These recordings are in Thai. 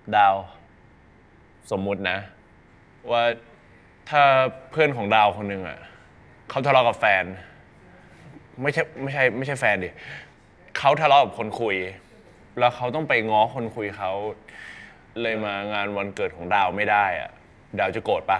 ดาวสมมุตินะว่าถ้าเพื่อนของดาวคนหนึ่งอ่ะเขาทะเลาะกับแฟนไม่ใช่แฟนดิเขาทะเลาะกับคนคุยแล้วเขาต้องไปง้อคนคุยเขาเลยมางานวันเกิดของดาวไม่ได้อ่ะดาวจะโกรธปะ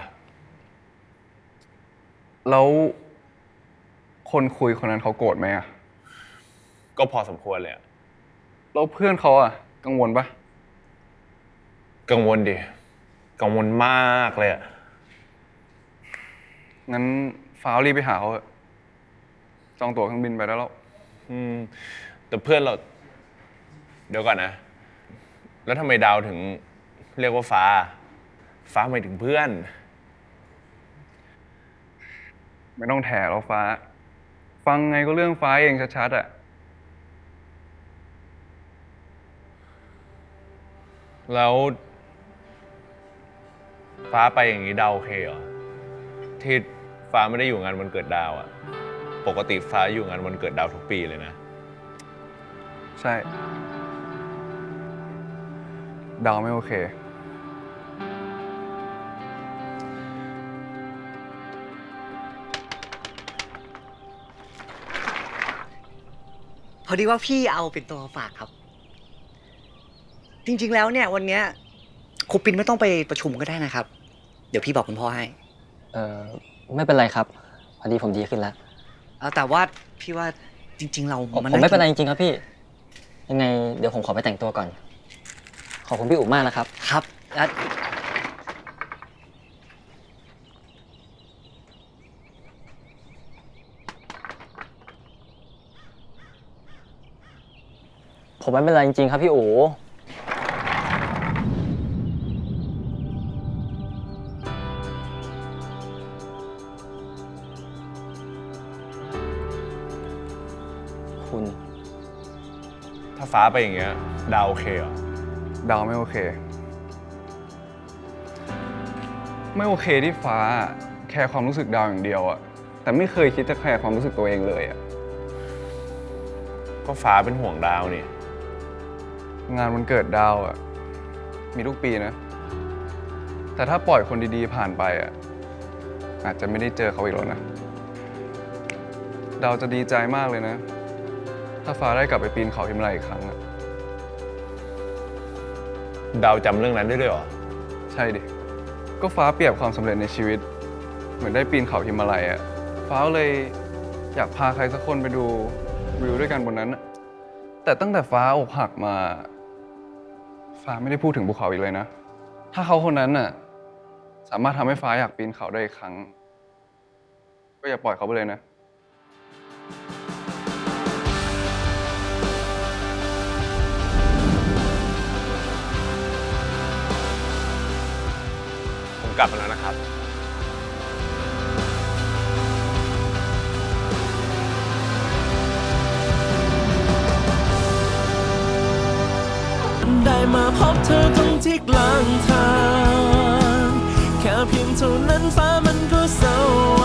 แล้วคนคุยคนนั้นเขาโกรธไหมอะก็พอสมควรเลยอะแล้วเพื่อนเขาอะกังวลปะกังวลดิกังวลมากเลยอะงั้นฟ้าวรีบไปหาเขาเถอะจองตั๋วเครื่องบินไปได้แล้วแต่เพื่อนเราเดี๋ยวก่อนนะแล้วทำไมดาวถึงเรียกว่าฟ้าหมายถึงเพื่อนไม่ต้องแถแล้วฟ้า ฟังไงก็เรื่องฟ้าเองชัดๆอะแล้วฟ้าไปอย่างนี้ดาวโอเคเหรอที่ฟ้าไม่ได้อยู่งานวันเกิดดาวอะปกติฟ้าอยู่งานวันเกิดดาวทุกปีเลยนะใช่ ดาวไม่โอเคพอดีว่าพี่เอาเป็นตัวฝากครับ จริงๆแล้วเนี่ยวันเนี้ยครูปินไม่ต้องไปประชุมก็ได้นะครับ เดี๋ยวพี่บอกคุณพ่อให้เออไม่เป็นไรครับพอดีผมดีขึ้นแล้วแต่ว่าพี่ว่าจริงๆเราผมไม่เป็นไรจริงๆครับพี่ยังไงเดี๋ยวผมขอไปแต่งตัวก่อนขอบคุณพี่อุ๋มมากนะครับครับแล้วผมไม่เป็นไรจริงๆครับพี่อู๋คุณถ้าฟ้าไปอย่างเงี้ยดาวโอเคเหรอดาวไม่โอเค ไม่โอเคที่ฟ้าแคร์ความรู้สึกดาวอย่างเดียวอะแต่ไม่เคยคิดจะแคร์ความรู้สึกตัวเองเลยอะก็ฟ้าเป็นห่วงดาวนี่งานวันเกิดดาวอะมีทุกปีนะ แต่ถ้าปล่อยคนดีๆผ่านไปอะอาจจะไม่ได้เจอเขาอีกแล้วนะ ดาวจะดีใจมากเลยนะ ถ้าฟ้าได้กลับไปปีนเขาหิมาลัยอีกครั้งอะดาวจำเรื่องนั้นได้ด้วยเหรอใช่ดิก็ฟ้าเปรียบความสำเร็จในชีวิตเหมือนได้ปีนเขาหิมาลัยอะฟ้าเลยอยากพาใครสักคนไปดูวิวด้วยกันบนนั้นอะแต่ตั้งแต่ฟ้าอกหักมาฟ้าไม่ได้พูดถึงภูเขาอีกเลยนะถ้าเขาคนนั้นน่ะสามารถทำให้ฟ้าอยากปีนเขาได้อีกครั้งก็อย่าปล่อยเขาไปเลยนะผมกลับมาแล้วนะครับได้มาพบเธอตรงที่กลางทางแค่เพียงเท่านั้นฟ้ามันก็สว